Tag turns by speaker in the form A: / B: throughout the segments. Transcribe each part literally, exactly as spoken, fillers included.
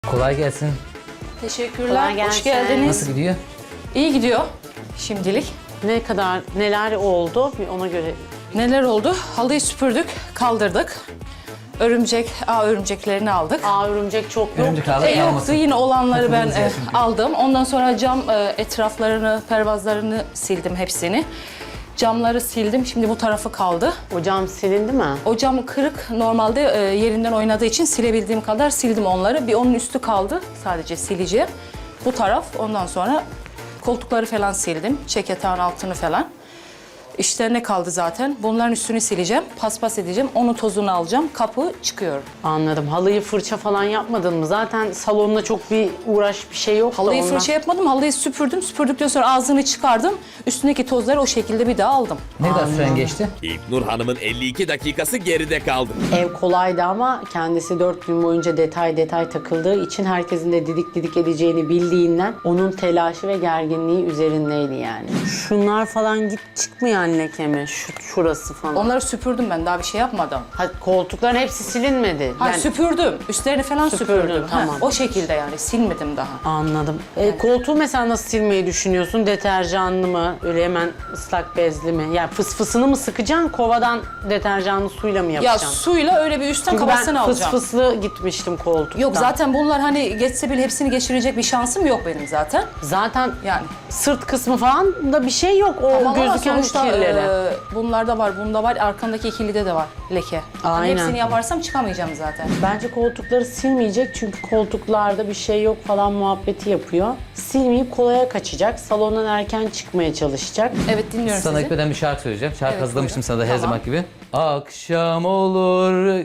A: Kolay gelsin.
B: Teşekkürler.
C: Kolay
B: Hoş
C: gelsin.
B: geldiniz.
A: Nasıl gidiyor?
B: İyi gidiyor şimdilik.
C: Ne kadar, neler oldu bir ona göre.
B: Neler oldu? Halıyı süpürdük, kaldırdık. Örümcek, ağ örümceklerini aldık.
C: Aa örümcek çok yok.
A: Örümcek ağları
B: E, yoktu,
A: almasın.
B: yine olanları ben
A: Takımımız
B: e,
A: ya çünkü.
B: aldım. Ondan sonra cam e, etraflarını, pervazlarını sildim hepsini. Camları sildim. Şimdi bu tarafı kaldı.
C: O cam silindi mi?
B: O cam kırık. Normalde e, yerinden oynadığı için silebildiğim kadar sildim onları. Bir onun üstü kaldı. Sadece sileceğim. Bu taraf. Ondan sonra koltukları falan sildim. Çeketağın altını falan. İşte ne kaldı zaten? Bunların üstünü sileceğim. Paspas edeceğim. Onun tozunu alacağım. Kapı çıkıyorum.
C: Anladım. Halıyı fırça falan yapmadın mı? Zaten salonda çok bir uğraş bir şey yok da
B: Halıyı
C: ondan.
B: fırça yapmadım. Halıyı süpürdüm. Süpürdükten sonra ağzını çıkardım. Üstündeki tozları o şekilde bir daha aldım.
A: Ne kadar süren geçti?
D: İlknur Hanım'ın elli iki dakikası geride kaldı.
C: Ev kolaydı ama kendisi dört gün boyunca detay detay takıldığı için herkesin de didik didik edeceğini bildiğinden onun telaşı ve gerginliği üzerindeydi yani. Şunlar falan git çıkmayan leke mi? Şu, şurası falan.
B: Onları süpürdüm ben. Daha bir şey yapmadım.
C: Ha, koltukların hepsi silinmedi.
B: Ha
C: Yani-
B: süpürdüm. Üstlerini falan
C: Süpürdün,
B: süpürdüm. Ha,
C: tamam.
B: o şekilde yani. Silmedim daha.
C: Anladım. E, koltuğu mesela nasıl silmeyi düşünüyorsun? Deterjanlı mı? Öyle hemen ıslak bezli mi? Yani fısfısını mı sıkacaksın? Kovadan deterjanlı suyla mı
B: Ya
C: yapacaksın?
B: suyla öyle bir üstten
C: Çünkü
B: kafasını
C: ben
B: alacağım.
C: fısfıslı gitmiştim koltuktan.
B: Yok zaten bunlar hani geçse bile hepsini geçirecek bir şansım yok benim zaten.
C: Zaten
B: Yani.
C: sırt kısmı falan da bir şey yok. O
B: Ama
C: gözüken
B: sonuçta,
C: kirleri.
B: e, bunlarda var, bunda var, arkandaki ikilide de var leke. Hani
C: Aynen.
B: hepsini yaparsam çıkamayacağım zaten.
C: Bence koltukları silmeyecek çünkü koltuklarda bir şey yok falan muhabbeti yapıyor. Silmeyip kolaya kaçacak. Salondan erken çıkmaya çalışacak.
B: Evet dinliyorum
A: Sana
B: sizi.
A: gitmeden bir şarkı söyleyeceğim. Şarkı
B: Evet,
A: hazırlamıştım
B: buyurun.
A: sana da her
B: Tamam.
A: zaman gibi. Akşam olur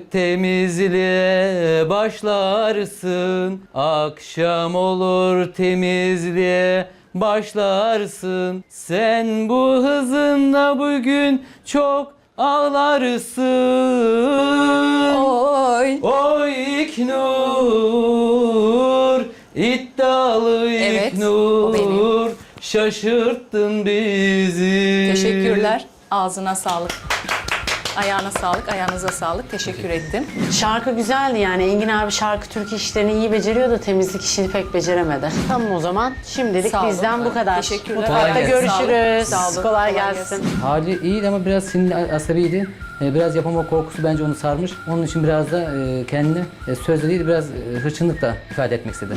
A: temizliğe başlarsın. Akşam olur temizliğe başlarsın. Sen bu hızınla bugün çok ağlarsın.
B: Oy.
A: Oy İlknur, iddialı
B: Evet, o
A: İlknur, şaşırttın bizi.
B: Teşekkürler. Ağzına sağlık. Ayağına sağlık, ayağınıza sağlık. Teşekkür ettim.
C: Şarkı güzeldi yani. Engin abi şarkı türkü işlerini iyi beceriyor da temizlik işini pek beceremedi. Tamam o zaman. Şimdilik
B: Sağ olun.
C: bizden bu kadar.
B: Teşekkürler.
C: Mutfakta
A: Kolay gelsin.
C: görüşürüz.
B: Sağ olun. Sağ olun.
C: Kolay,
B: Kolay
C: gelsin.
B: gelsin.
A: Hali iyiydi ama biraz sinirli, asabiydi. Ee, Biraz yapama korkusu bence onu sarmış. Onun için biraz da e, kendini e, sözle değil biraz e, hırçınlıkla ifade etmek istedi.